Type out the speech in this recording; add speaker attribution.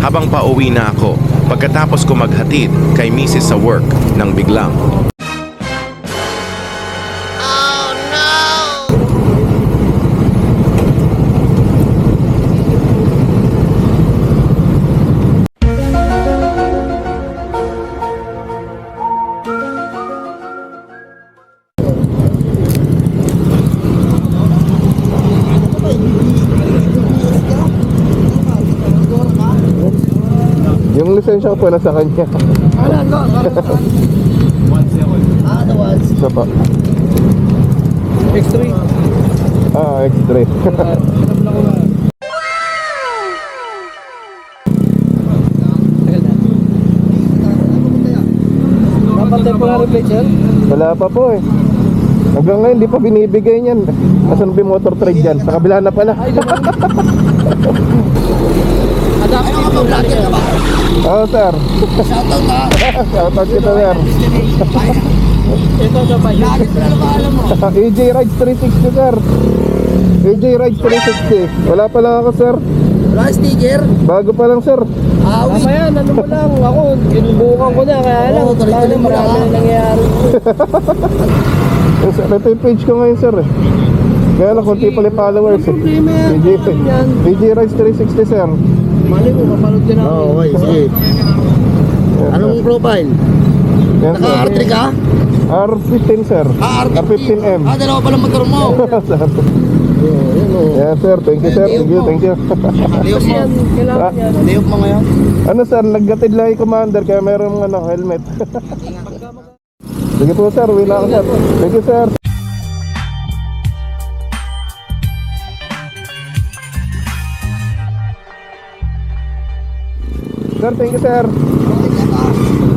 Speaker 1: habang pauwi na ako pagkatapos ko maghatid kay Mrs. sa work nang biglang.
Speaker 2: Yung lisensya ko po nasa kanya. Isa pa.
Speaker 3: X3.
Speaker 2: X3.
Speaker 3: Dapat temporary plate yan?
Speaker 2: Wala pa po eh. Hanggang ngayon di pa binibigay niyan. Asan ba yung motor trade dyan? Sa kabila na pala.
Speaker 3: Adaptive yung vlogger ka ba?
Speaker 2: Oo sir.
Speaker 3: Shoutout ha.
Speaker 2: Shoutout kita sir.
Speaker 3: Ito sa pa. Vlogger ko na alam mo.
Speaker 2: AJ Rides 360 sir. AJ Rides 360. Wala pa lang ako sir.
Speaker 3: Wala sticker?
Speaker 2: Bago pa lang sir.
Speaker 3: Tama yan, ano mo lang. Ako, ginubukan ko na. Kaya lang, paano marami na nangyayari.
Speaker 2: Ito yung page ko ngayon sir eh. Kaya lang konti pala yung followers eh.
Speaker 3: Problema yan.
Speaker 2: AJ Rides 360 sir.
Speaker 3: Mali mo, kapanood din ako.
Speaker 4: Okay, sige. Anong profile?
Speaker 2: Yan, sir.
Speaker 4: Naka-R3 ka?
Speaker 2: R15 sir. R15M.
Speaker 4: Dalawa pala motor mo.
Speaker 2: Yeah sir, thank you sir. Thank you.
Speaker 4: Liyop mo.
Speaker 3: Kailangan yan.
Speaker 4: Liyop mo ngayon.
Speaker 2: Ano sir, naggatid lang yung commander kaya mayroong helmet. Sige po sir, uwi na ako sir. Thank you sir. Sir, thank you sir.